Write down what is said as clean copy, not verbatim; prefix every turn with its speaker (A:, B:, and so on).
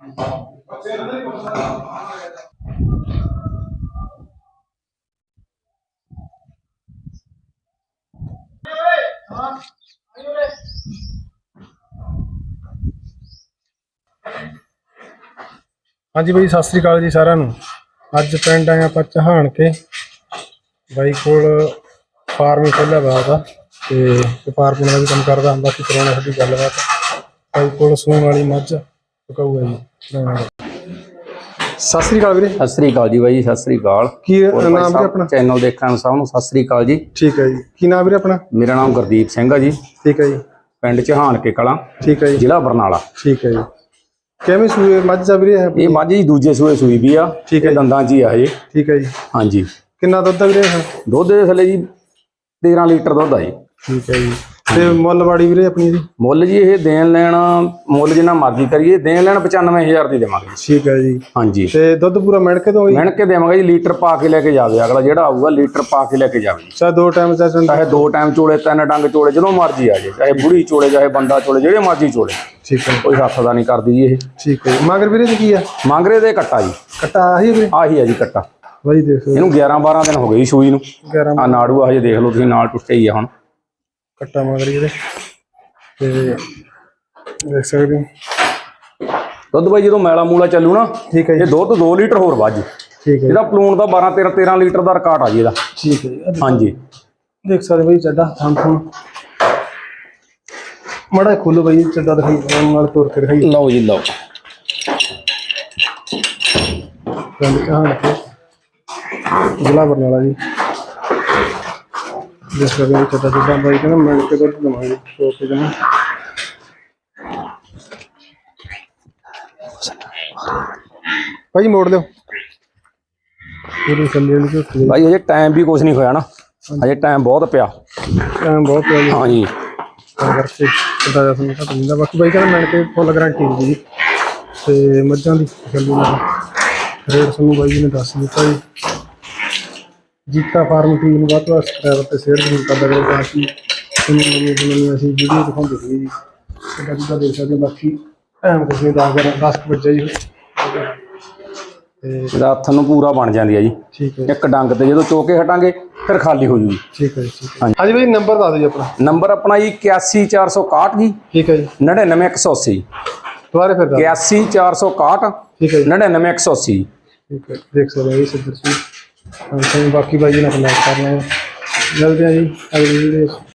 A: हाँ जी भाई सत श्री अकाल जी सारिਆਂ ਨੂੰ। ਅੱਜ ਪਿੰਡ ਆਏ ਆਪਾਂ ਚਹਾਣ ਕੇ ਬਾਈ ਕੋਲ ਫਾਰਮ ਹੀ ਖੋਲ੍ਹਿਆ ਵਾ ਉਹਦਾ ਤੇ ਵਪਾਰ ਪੁਣਾ ਦਾ ਵੀ ਕੰਮ ਕਰਦਾ। ਬਾਕੀ ਕਰਾਉਣਾ ਸਾਡੀ ਗੱਲਬਾਤ। ਬਾਈ ਕੋਲ ਸੂਣ ਵਾਲੀ ਮੱਝ ਚੁਕਾਊ ਹੈ ਜੀ। ਸਤਿ श्री अकाल ਵੀਰੇ।
B: ਸਤਿ ਸ੍ਰੀ ਅਕਾਲ ਜੀ ਬਾਈ, ਸਤਿ ਸ੍ਰੀ ਅਕਾਲ।
A: ਕੀ ਨਾਮ ਵੀਰੇ ਆਪਣਾ?
B: ਚੈਨਲ ਦੇਖਣ ਸਭ ਨੂੰ ਸਤਿ ਸ੍ਰੀ ਅਕਾਲ ਜੀ।
A: ਠੀਕ ਹੈ ਜੀ। ਕੀ ਨਾਮ ਵੀਰੇ ਆਪਣਾ?
B: ਮੇਰਾ ਨਾਮ ਗੁਰਦੀਪ ਸਿੰਘ ਆ ਜੀ।
A: ਠੀਕ ਹੈ ਜੀ।
B: ਪਿੰਡ ਚਹਾਣ ਕੇ ਕਲਾਂ,
A: ਠੀਕ ਹੈ ਜੀ।
B: ਜ਼ਿਲ੍ਹਾ ਬਰਨਾਲਾ।
A: ਠੀਕ ਹੈ ਜੀ। ਕਿਵੇਂ ਸੂਏ ਮੱਝ ਆ ਵੀਰੇ?
B: ਇਹ ਮੱਝ ਜੀ ਦੂਜੇ ਸੂਏ ਸੂਈ ਵੀ ਆ।
A: ਠੀਕ ਹੈ।
B: ਦੰਦਾਂ 'ਚ ਹੀ ਆ ਜੀ।
A: ਠੀਕ ਹੈ ਜੀ।
B: ਹਾਂਜੀ।
A: ਕਿੰਨਾ ਦੁੱਧ ਆ ਵੀਰੇ?
B: ਦੁੱਧ ਦੇ ਥੱਲੇ ਜੀ 13 ਲੀਟਰ ਦੁੱਧ ਆ ਜੀ।
A: ਠੀਕ ਹੈ ਜੀ। ਤੇ ਮੁੱਲ ਵਾੜੀ ਵੀਰੇ ਆਪਣੀ ਜੀ?
B: ਮੁੱਲ ਜੀ ਇਹ ਦੇਣ ਲੈਣ ਮੁੱਲ ਜਿੰਨਾ ਮਰਜ਼ੀ ਕਰੀਏ, ਦੇਣ ਲੈਣ 95,000 ਦੀ ਦੇਵਾਂਗੇ।
A: ਠੀਕ ਹੈ ਜੀ।
B: ਹਾਂਜੀ।
A: ਤੇ ਦੁੱਧ ਪੂਰਾ ਮਿਣ ਕੇ ਦੋ?
B: ਮਿਣ ਕੇ ਦੇਵਾਂਗੇ ਜੀ। ਲੀਟਰ ਪਾ ਕੇ ਲੈ ਕੇ ਜਾਵੇ ਅਗਲਾ, ਜਿਹੜਾ ਆਊਗਾ ਲੀਟਰ ਪਾ ਕੇ ਲੈ ਕੇ ਜਾਵੇ ਜੀ।
A: ਚਾਹੇ 2 ਟਾਈਮ
B: ਚਾਹੇ 2 ਟਾਈਮ ਚੋਲੇ, 3 ਡੰਗ ਚੋਲੇ, ਜਦੋਂ ਮਰਜ਼ੀ ਆ ਜਾਏ। ਚਾਹੇ ਬੁੜੀ ਚੋਲੇ, ਚਾਹੇ ਬੰਦਾ ਚੋਲੇ, ਜਿਹੜੇ ਮਰਜ਼ੀ ਚੋਲੇ।
A: ਠੀਕ ਹੈ।
B: ਕੋਈ ਹੱਥ ਦਾ ਨਹੀਂ ਕਰਦੀ ਜੀ ਇਹ।
A: ਠੀਕ ਹੈ। ਮਗਰ ਵੀਰੇ ਜੀ ਕੀ ਆ?
B: ਮਾਂਗਰੇ ਦੇ ਕੱਟਾ ਜੀ।
A: ਕੱਟਾ ਆਹੀ ਵੀਰੇ?
B: ਆਹੀ ਆ ਜੀ ਕੱਟਾ।
A: ਬਾਈ ਦੇਖੋ
B: ਇਹਨੂੰ 11-12 ਦਿਨ ਹੋ ਗਏ ਜੀ ਸੂਈ ਨੂੰ।
A: 11
B: ਆ ਨਾੜੂ ਆ ਹਜੇ ਦੇਖ ਲਓ ਤੁਸੀਂ, ਨਾਲ ਟੁੱਟੇ ਹੀ ਆ ਹੁਣ।
A: ਕੱਟਾ ਮਗਰ ਇਹਦੇ ਤੇ ਦੇਖ ਸਕਦੇ ਹੋ
B: ਦੁੱਧ ਬਾਈ ਜਦੋਂ ਮੈਲਾ ਮੂਲਾ ਚੱਲੂ ਨਾ,
A: ਠੀਕ ਹੈ
B: ਇਹ
A: ਜੀ।
B: ਦੁੱਧ 2 ਲੀਟਰ ਹੋਰ ਵੱਧ।
A: ਠੀਕ ਹੈ।
B: ਇਹਦਾ ਪਲੂਣ ਦਾ 12-13 ਲੀਟਰ ਦਾ ਰਿਕਾਰਡ ਆ ਜੀ ਇਹਦਾ।
A: ਠੀਕ ਹੈ ਜੀ।
B: ਹਾਂਜੀ।
A: ਦੇਖ ਸਕਦੇ ਬਾਈ ਚੱਡਾ ਥਾਂ ਮੜਾ ਖੋਲੋ ਬਾਈ, ਚੱਡਾ ਦਿਖਾਈ ਨਾਲ ਤੋੜ ਕੇ ਦਿਖਾਈ।
B: ਲਓ ਜੀ ਲਓ।
A: ਪਿੰਡ ਕਹਾਣ ਕੇ ਜ਼ਿਲ੍ਹਾ ਬਰਨਾਲਾ ਜੀ। ਦੇਖ ਸਕਦੇ ਹੋ ਚੱਡਾ ਚੱਡਾ ਬਾਈ ਕਹਿੰਦਾ ਮਿਲ ਕੇ ਦੁੱਧ ਦਵਾਂਗੇ ਤੋੜ ਕੇ ਜਮਾ। ਭਾਈ ਮੋੜ ਲਿਓ ਪੂਰੀ ਥੱਲੇ ਵਾਲੀ ਝੋਟੀ।
B: ਬਾਈ ਹਜੇ ਟਾਈਮ ਵੀ ਕੁਝ ਨਹੀਂ ਹੋਇਆ ਨਾ, ਹਜੇ ਟਾਈਮ ਬਹੁਤ ਪਿਆ।
A: ਟਾਈਮ ਬਹੁਤ ਪਿਆ ਜੀ।
B: ਹਾਂਜੀ।
A: ਕਰਕੇ ਕਿੱਦਾਂ ਦਾ ਤੁਹਾਨੂੰ ਪਤਾ ਨਹੀਂ। ਬਾਕੀ ਬਾਈ ਕਹਿੰਦਾ ਮਿਲ ਕੇ ਫੁੱਲ ਗਰੰਟੀ ਹੁੰਦੀ ਜੀ। ਤੇ ਮੱਝਾਂ ਦੀ ਗੱਲੂ ਨਾਲ ਰੇਟ ਤੁਹਾਨੂੰ ਬਾਈ ਜੀ ਨੇ ਦੱਸ ਦਿੱਤਾ ਜੀ। ਜੀਤਾ ਫਾਰਮ ਟੀਮ ਨੂੰ ਵੱਧ ਤੋਂ ਵੱਧ ਸਬਸਕ੍ਰਾਈਬ ਤੇ ਸ਼ੇਅਰ ਜ਼ਰੂਰ ਕਰਦਾ ਕਰੋ ਤਾਂ ਕਿ ਤੁਹਾਨੂੰ ਨਵੀਂ ਅਸੀਂ ਵੀਡੀਓ ਦਿਖਾਉਂਦੇ ਰਹੀਏ ਜੀ। ਸਾਡਾ ਜਿੱਦਾਂ ਦੇਖ ਸਕਦੇ ਹੋ। ਬਾਕੀ ਟਾਈਮ ਕੁਛ ਨਹੀਂ 10 ਵਜੇ ਜੀ। ਤੇ
B: ਰਾਤ ਨੂੰ ਪੂਰਾ ਬਣ ਜਾਂਦੀ ਆ ਜੀ।
A: ਠੀਕ ਹੈ।
B: ਇੱਕ ਡੰਗ ਤੇ ਜਦੋਂ ਚੋਕੇ ਹਟਾਂਗੇ ਫਿਰ ਖਾਲੀ ਹੋ ਜੂਗੀ।
A: ਠੀਕ ਹੈ ਜੀ। ਹਾਂਜੀ ਬਾਈ ਨੰਬਰ ਦੱਸ ਦਿਓ ਜੀ ਆਪਣਾ।
B: ਨੰਬਰ ਆਪਣਾ ਜੀ 81461 ਜੀ।
A: ਠੀਕ ਹੈ ਜੀ।
B: 99180।
A: ਦੁਬਾਰੇ ਫਿਰ
B: 81461
A: ਠੀਕ ਹੈ ਜੀ।
B: 99180।
A: ਠੀਕ ਹੈ। ਦੇਖ ਸਕਦੇ ਹੋ ਜੀ ਸਿੱਧਰ ਸੀ। ਬਾਕੀ ਬਾਈ ਜੀ ਨਾਲ ਕਨੈਕਟ ਕਰ ਲੈਣਾ। ਮਿਲਦੇ ਆ ਜੀ ਅਗਲੀ ਵੀਡੀਓ।